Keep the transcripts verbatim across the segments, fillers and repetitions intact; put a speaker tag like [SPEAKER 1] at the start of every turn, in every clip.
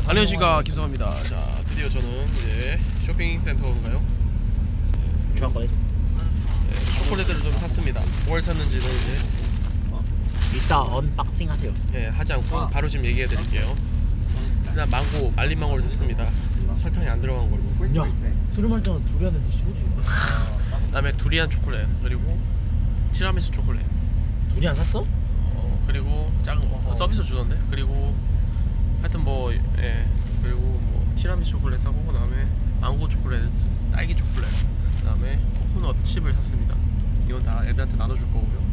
[SPEAKER 1] 안녕하십니까, 김성환입니다. 자, 드디어 저는 이제 쇼핑센터인가요?
[SPEAKER 2] 중앙거래
[SPEAKER 1] 네, 초콜릿들을 좀 샀습니다. 뭘 샀는지는 이제
[SPEAKER 2] 이따 언박싱 하세요.
[SPEAKER 1] 네, 하지 않고 바로 지금 얘기해 드릴게요. 일단 망고, 말린 망고를 샀습니다. 설탕이 안 들어간 걸로.
[SPEAKER 2] 야, 술을 마시면 두리안을 드시고지.
[SPEAKER 1] 그 다음에 두리안 초콜릿, 그리고 티라미수 초콜릿,
[SPEAKER 2] 두리안 샀어?
[SPEAKER 1] 어, 그리고 작은 거 서비스 주던데. 그리고 하여튼 뭐, 예, 그리고 뭐 티라미수 초콜릿 사고, 그 다음에 망고 초콜릿, 딸기 초콜릿, 그 다음에 코코넛 칩을 샀습니다. 이건 다 애들한테 나눠줄 거고요.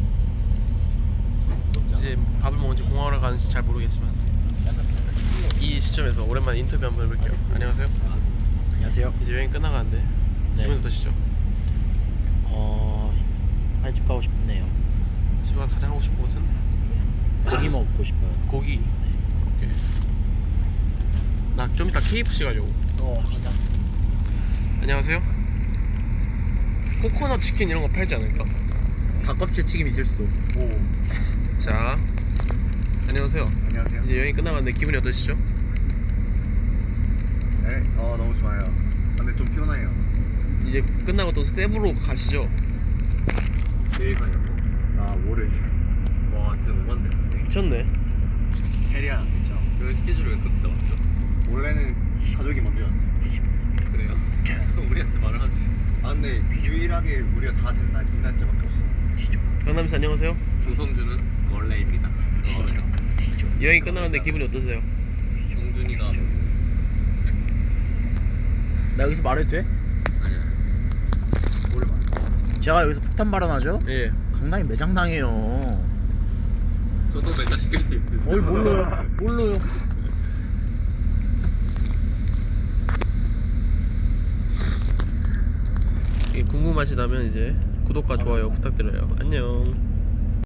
[SPEAKER 1] 이제 밥을 먹은지 공항을 가는지 잘 모르겠지만 이 시점에서 오랜만에 인터뷰 한번 해볼게요. 안녕하세요.
[SPEAKER 2] 안녕하세요.
[SPEAKER 1] 이제 여행 끝나가는데
[SPEAKER 2] 네.
[SPEAKER 1] 기분 어떠시죠?
[SPEAKER 2] 어, 빨리 집 가고 싶네요.
[SPEAKER 1] 집에 가서 가장 하고 싶은 곳은
[SPEAKER 2] 고기 먹고 싶어요.
[SPEAKER 1] 고기. 오케이. 나 좀 이따 케이에프씨 가려고.
[SPEAKER 2] 어, 갑시다.
[SPEAKER 1] 안녕하세요. 코코넛 치킨 이런 거 팔지 않을까?
[SPEAKER 2] 닭껍질 튀김 있을 수도.
[SPEAKER 3] 오,
[SPEAKER 1] 자, 안녕하세요.
[SPEAKER 3] 안녕하세요.
[SPEAKER 1] 이제 여행 끝나가는데 기분이 어떠시죠?
[SPEAKER 3] 네, 어 너무 좋아요. 근데 좀 피곤해요.
[SPEAKER 1] 이제 끝나고 또 세부로 가시죠.
[SPEAKER 3] 내일 가냐고? 아, 모레.
[SPEAKER 4] 와 진짜 못 만데 근데
[SPEAKER 1] 미쳤네.
[SPEAKER 3] 해리안 있죠.
[SPEAKER 4] 여기 스케줄이 왜 그렇게 잡았죠?
[SPEAKER 3] 원래는 가족이 먼저 왔어요.
[SPEAKER 4] 그래요? 계속 우리한테 말을 하지.
[SPEAKER 3] 아 근데 유일하게 우리가 다 된 날 이 날짜밖에 없어.
[SPEAKER 1] 강남씨 안녕하세요.
[SPEAKER 4] 조성주는 원래입니다.
[SPEAKER 1] 여행 끝나가는데 기분이 어떠세요?
[SPEAKER 4] 정준이가
[SPEAKER 2] 나 여기서 말해도 돼?
[SPEAKER 4] 아니야.
[SPEAKER 3] 모레 말.
[SPEAKER 2] 제가 여기서 폭탄 발언하죠?
[SPEAKER 1] 예.
[SPEAKER 2] 강남이 매장당해요.
[SPEAKER 4] 저도 맨날 시킬 수 있어요.
[SPEAKER 2] 뭘 몰라요? 몰라요.
[SPEAKER 1] 궁금하시다면 이제 구독과 좋아요 부탁드려요. 안녕.